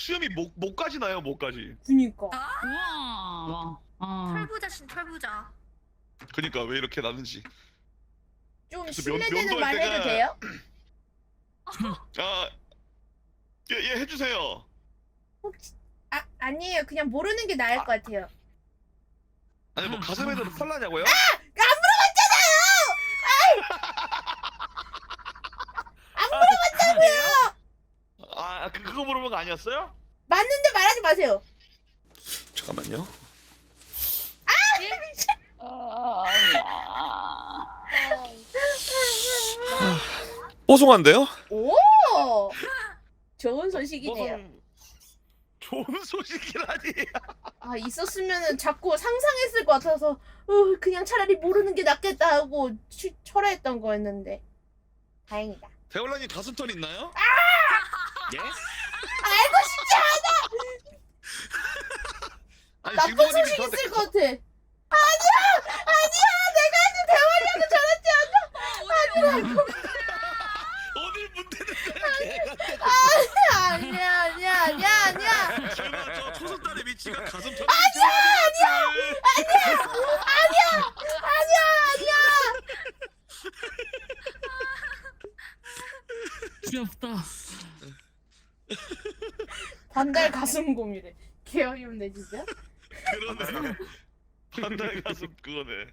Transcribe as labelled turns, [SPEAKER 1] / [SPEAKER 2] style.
[SPEAKER 1] 수염이 목까지 나요, 목까지.
[SPEAKER 2] 그니까.
[SPEAKER 3] 우와.
[SPEAKER 4] 털부자신 털부자.
[SPEAKER 1] 그니까 왜 이렇게 나는지.
[SPEAKER 2] 좀
[SPEAKER 1] 그래서
[SPEAKER 2] 신뢰되는
[SPEAKER 1] 면도할
[SPEAKER 2] 말 해도
[SPEAKER 1] 때가-
[SPEAKER 2] 돼요?
[SPEAKER 1] 아, 예, 해주세요.
[SPEAKER 2] 혹시 아니에요. 그냥 모르는 게 나을 것 같아요.
[SPEAKER 1] 아니 뭐 가슴에도 펄나냐고요? 아, 그거 물어본 거 아니었어요?
[SPEAKER 2] 맞는데 말하지 마세요.
[SPEAKER 1] 잠깐만요. 뽀송한데요?
[SPEAKER 2] 오, 좋은 소식이네요.
[SPEAKER 1] 좋은 소식이라니.
[SPEAKER 2] 아, 있었으면은 자꾸 상상했을 것 같아서 그냥 차라리 모르는 게 낫겠다 하고 철회했던 거였는데 다행이다.
[SPEAKER 1] 대월라님 가슴털 있나요? 예?
[SPEAKER 2] 알고 싶지 않아.
[SPEAKER 1] 아니
[SPEAKER 2] 나쁜
[SPEAKER 1] 진보님이
[SPEAKER 2] 소식
[SPEAKER 1] 저한테
[SPEAKER 2] 있을 것 같아. 아니야, 내가 아직 대화량을 전하지 않아.
[SPEAKER 1] 어딜 문대는데?
[SPEAKER 2] 아니야.
[SPEAKER 1] 제가 저 초선딸의 위치가 가슴털.
[SPEAKER 3] 귀엽다.
[SPEAKER 2] 반달 가슴 곰이래. 개어이없네 진짜.
[SPEAKER 1] 그러네. 반달 가슴 그거네.